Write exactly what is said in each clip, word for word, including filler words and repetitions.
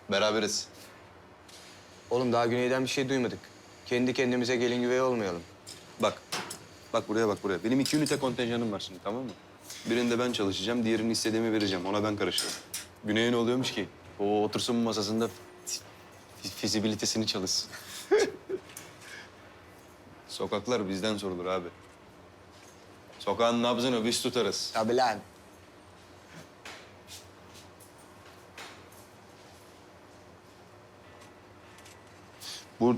Beraberiz. Oğlum daha Güney'den bir şey duymadık. Kendi kendimize gelin güvey olmayalım. Bak. Bak buraya bak buraya. Benim iki ünite kontenjanım var şimdi, tamam mı? Birinde ben çalışacağım, diğerini istediğimi vereceğim. Ona ben karışırım. Güney'e ne oluyormuş ki? O otursun masasında fi- fizibilitesini çalışsın. Sokaklar bizden sorulur abi. Sokağın nabzını biz tutarız. Tabii lan. Bu...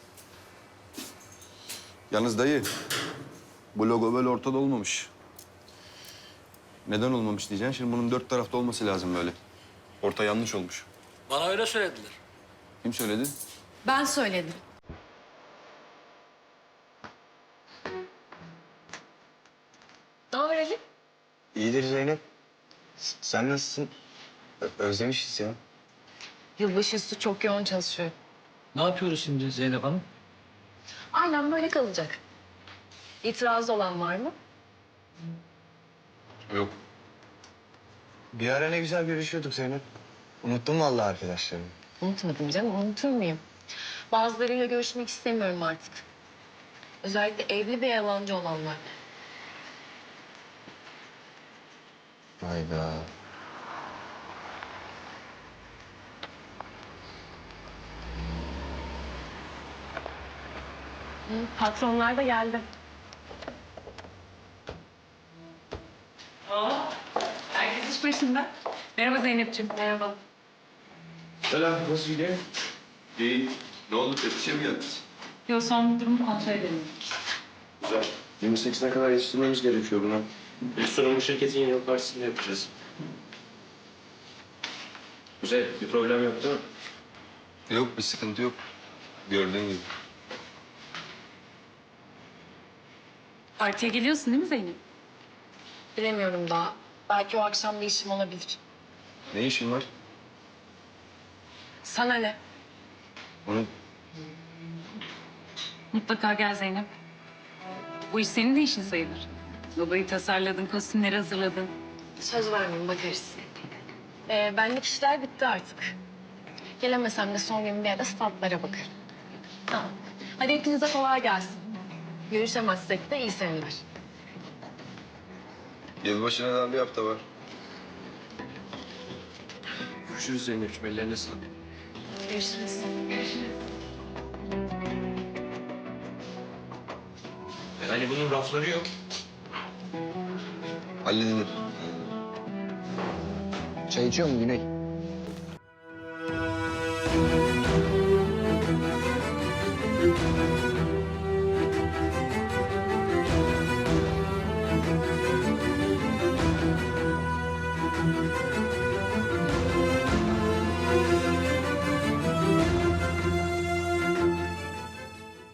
Yalnız dayı, bu logo böyle ortada olmamış. Neden olmamış diyeceksin. Şimdi bunun dört tarafta olması lazım böyle. Orta yanlış olmuş. Bana öyle söylediler. Kim söyledi? Ben söyledim. Ne haber Ali? İyidir Zeynep. S- Sen nasılsın? Ö- özlemişiz ya. Yılbaşı üstü çok yoğun çalışıyor. Ne yapıyoruz şimdi Zeynep Hanım? Aynen böyle kalacak. İtirazı olan var mı? Yok. Bir ara ne güzel görüşüyorduk Zeynep. Unuttum vallahi arkadaşlarımı. Unutmadım canım, unutur muyum? Bazılarıyla görüşmek istemiyorum artık. Özellikle evli ve yalancı olanlar. Hayda. Hı, patronlar da geldi. Herkes iş başında. Merhaba Zeynep'ciğim. Merhaba. Selam, nasıl gidiyor? İyi. Ne oldu? Tepsiye mi geldiniz? Yo, son durumu kontrol edelim. Güzel. yirmi sekizine kadar yetiştirmemiz gerekiyor buna. İlk sunumu şirketin yeni yıl partisinde yapacağız. Güzel, bir problem yok değil mi? Yok, bir sıkıntı yok. Gördüğün gibi. Partiye geliyorsun değil mi Zeynep? Bilemiyorum daha. Belki o akşam bir işim olabilir. Ne işin var? Sana ne? Onu Mutlaka gel Zeynep. Bu iş senin de işin sayılır. Logoyu tasarladın, kostümleri hazırladın. Söz vermeyeyim, bakarız. Ee, benlik işler bitti artık. Gelemesem de son gün bir ara statlara bakarım. Tamam. Hadi hepinize kolay gelsin. Görüşemezsek de iyi seneler. yılbaşına daha bir hafta var. Görüşürüz Zeynep'ciğim, ellerine sağlık. Görüşürüz. Yani bunun rafları yok. Halledilir. Çay içiyor mu Güney?